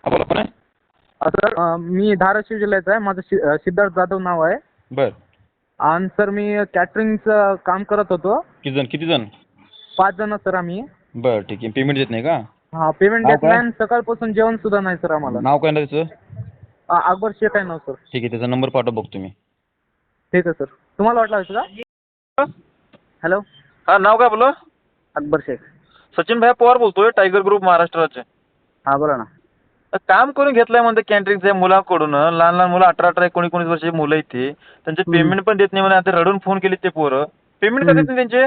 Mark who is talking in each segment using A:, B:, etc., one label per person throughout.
A: हा बोला, कोण आहे?
B: सर मी धाराशिव जिल्ह्याचा आहे. माझं सिद्धार्थ जाधव नाव आहे.
A: बर.
B: आणि सर मी कॅटरिंगचं काम करत होतो.
A: किती जण?
B: 5 जण सर आम्ही.
A: बर, ठीक आहे. पेमेंट देत नाही का?
B: हा, पेमेंट
A: नाव
B: देत
A: काय?
B: नाही आणि सकाळपासून जेवण सुद्धा नाही सर आम्हाला.
A: नाव काय ना त्याचं?
B: अकबर शेख आहे नाव सर.
A: ठीक आहे, त्याचा नंबर पाठव बघतो मी.
B: ठीक आहे सर. तुम्हाला वाटलं होतं का?
C: हॅलो,
D: हा, नाव काय बोला?
C: अकबर शेख.
D: सचिन भाई पवार बोलतोय, टायगर ग्रुप महाराष्ट्राचे.
C: हा, बोला ना.
D: काम करून घेतलंय म्हणते कॅन्टरिंगच्या मुलांकडून. लहान लहान मुलं 18-18 19-19 वर्षाची मुलं आहेत ती. त्यांचे पेमेंट पण देत नाही म्हणे. आता रडून फोन केले ते पोरं. पेमेंट का देत नाही त्यांचे?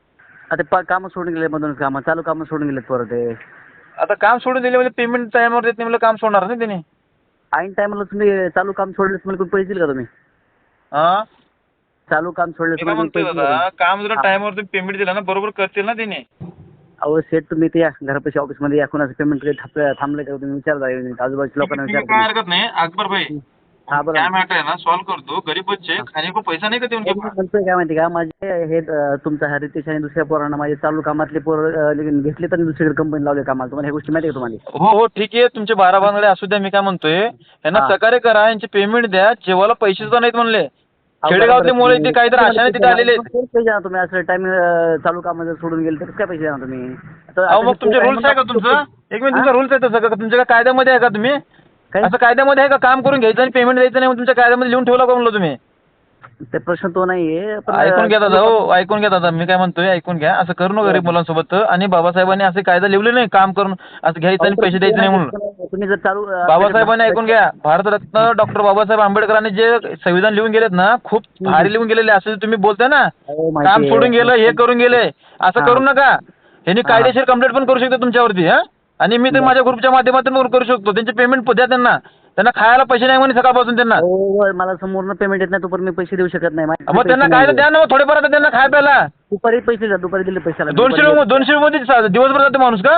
C: आता कामं सोडून गेले, मधूनच कामं चालू कामं सोडून गेलेत परत ते.
D: आता काम सोडून दिले म्हणजे पेमेंट टायमावर देत नाही म्हणजे काम सोडणार नाही त्यांनी.
C: ऐन टायमाला तुम्ही चालू काम सोडले तुम्हाला कोण पैसे देईल का तुम्ही?
D: हा,
C: चालू काम सोडले
D: मी काय
C: तुम्हाला कोण
D: म्हणतोय
C: पैसे
D: दादा,
C: देईल का?
D: काम जर टायमावर तुम्ही पेमेंट दिला ना बरोबर करतील ना त्यांनी.
C: अहो सेठ, तुम्ही ते या घरापाशी ऑफिसमध्ये या, कोणाचं पेमेंट काही थांबलं का तुम्ही विचार आजूबाजूच्या लोकांना
D: तुम्ही
C: विचार.
D: काय हरकत नाही अकबर भाई.
C: हा, बरोबर.
D: काय मॅटर आहे ना सॉल्व्ह करतो. गरीब बच्चे खाने को पैसा नाही का देऊन
C: मी म्हणतोय काय माहिती का, माझे हे तुमचा हा रितेश आणि दुसऱ्या पोरांना माझे चालू कामातले पोरं घेतले तर दुसरीकडे कंपनी लावले कामाला. तुम्हाला ह्या गोष्टी माहिती आहे का तुम्हाला?
D: हो हो, ठीक आहे. तुमचे 12 भानगडे असू द्या. मी काय म्हणतोय, यांना
C: हा.
D: सहकार्य करा, यांची पेमेंट द्या. जेवायला पैसे सुद्धा नाहीत म्हणले. खेडेगावातले मुलं इथे काहीतरी आशाने तिथे आलेले आहेत.
C: पैसे द्या तुम्ही. असं टाइम चालू काम जर सोडून गेले तर काय पैसे द्या तुम्ही?
D: अहो, मग तुमचे रूल्स आहे का तुमचं? एक मिनिट, तुमचा रूल्स आहे तसं का? तुमच्या काय कायद्यामध्ये आहे का तुम्ही?
C: काय?
D: असं कायद्यामध्ये आहे का काम करून घ्यायचं आणि पेमेंट द्यायचं नाही? मग तुमच्या कायद्यामध्ये लिहून ठेवला का म्हणलं तुम्ही?
C: ते प्रश्न तो नाहीये. पण
D: ऐकून घ्या दादा, हो ऐकून घ्या दादा. मी काय म्हणतोय ऐकून घ्या. असं करू नका गरीब मुलांसोबत. आणि बाबासाहेबांनी असे कायदा लिहिले नाही काम करून असं घ्यायचं आणि पैसे द्यायचे नाही म्हणून.
C: तुम्ही जर चालू
D: बाबासाहेबांनी ऐकून घ्या. भारतरत्न डॉक्टर बाबासाहेब आंबेडकरांनी जे संविधान लिहून गेलेत ना, खूप भारी लिहून गेलेले. असं तुम्ही बोलताय ना,
C: हो, माहिती
D: काम
C: आहे.
D: सोडून गेलं, हे करून गेले, असं
C: हा.
D: करू नका. ह्यांनी
C: हा.
D: कायदेशीर कंप्लेंट पण करू शकतो तुमच्यावरती. हा, आणि मी तर माझ्या ग्रुपच्या माध्यमातून पण करू शकतो. त्यांचे पेमेंट द्या त्यांना. त्यांना खायला पैसे नाही म्हणे सकाळपासून त्यांना.
C: हो, मला समोरनं पेमेंट येत नाही तोपर्यंत मी पैसे देऊ शकत नाही. माझे
D: मग त्यांना
C: पैसे
D: काय
C: नाही.
D: द्या ना मग थोडेफार आता त्यांना खाय प्यायला.
C: दुपारी पैसे द्या. दुपारी दिले पैशाला
D: 200 मध्ये दिवसभर जाते माणूस का?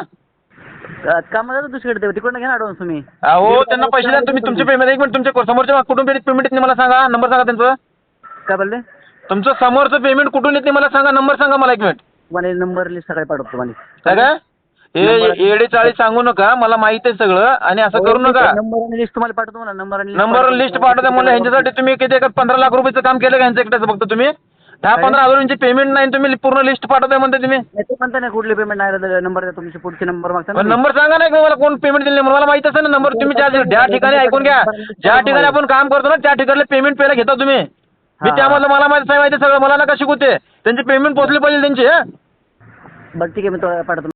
C: कामाला दुसरीकडे तिकडनं घ्या ना ॲडव्हान्स तुम्ही.
D: अहो, त्यांना पैसे द्या तुम्ही. तुमचे पेमेंट एक मिनिट, तुमच्या समोरच्या कुठून पेमेंट येते मला सांगा. नंबर सांगा त्यांचं.
C: काय बोलले?
D: तुमचं समोरचं पेमेंट कुठून येते मला सांगा. नंबर सांगा मला एक मिनिट.
C: तुम्हाला नंबर लिस्ट सकाळी पाठवतो तुम्हाला.
D: काय काय हे येडे चाळी सांगू नका. मला माहिती आहे सगळं. आणि असं करू नका.
C: नंबर आणि लिस्ट तुम्हाला पाठवतो मला.
D: नंबर लिस्ट पाठवता मला. ह्यांच्यासाठी तुम्ही किती 15 लाख रुपयाचं काम केलं का ह्यांचं एकट्याचं फक्त तुम्ही? 10-15 हजारांची पेमेंट नाही तुम्ही पूर्ण लिस्ट पाठवताय म्हणते तुम्ही.
C: ते म्हणता नाही कुठले पेमेंट नाही. नंबर द्या तुमचे पुढचे नंबर मागता ना.
D: नंबर सांगा नाही का मला कोण पेमेंट दिले मला माहिती असेल ना. नंबर तुम्ही ज्या ठिकाणी ऐकून घ्या. ज्या ठिकाणी आपण काम करतो ना त्या ठिकाणी पेमेंट पहिला घेता तुम्ही. मी त्यामधलं मला माहिती सगळं. मला नका शिकवते. त्यांची पेमेंट पोहोचली पाहिजे त्यांची.
C: बरं ठीक आहे, मी तो पाठवतो.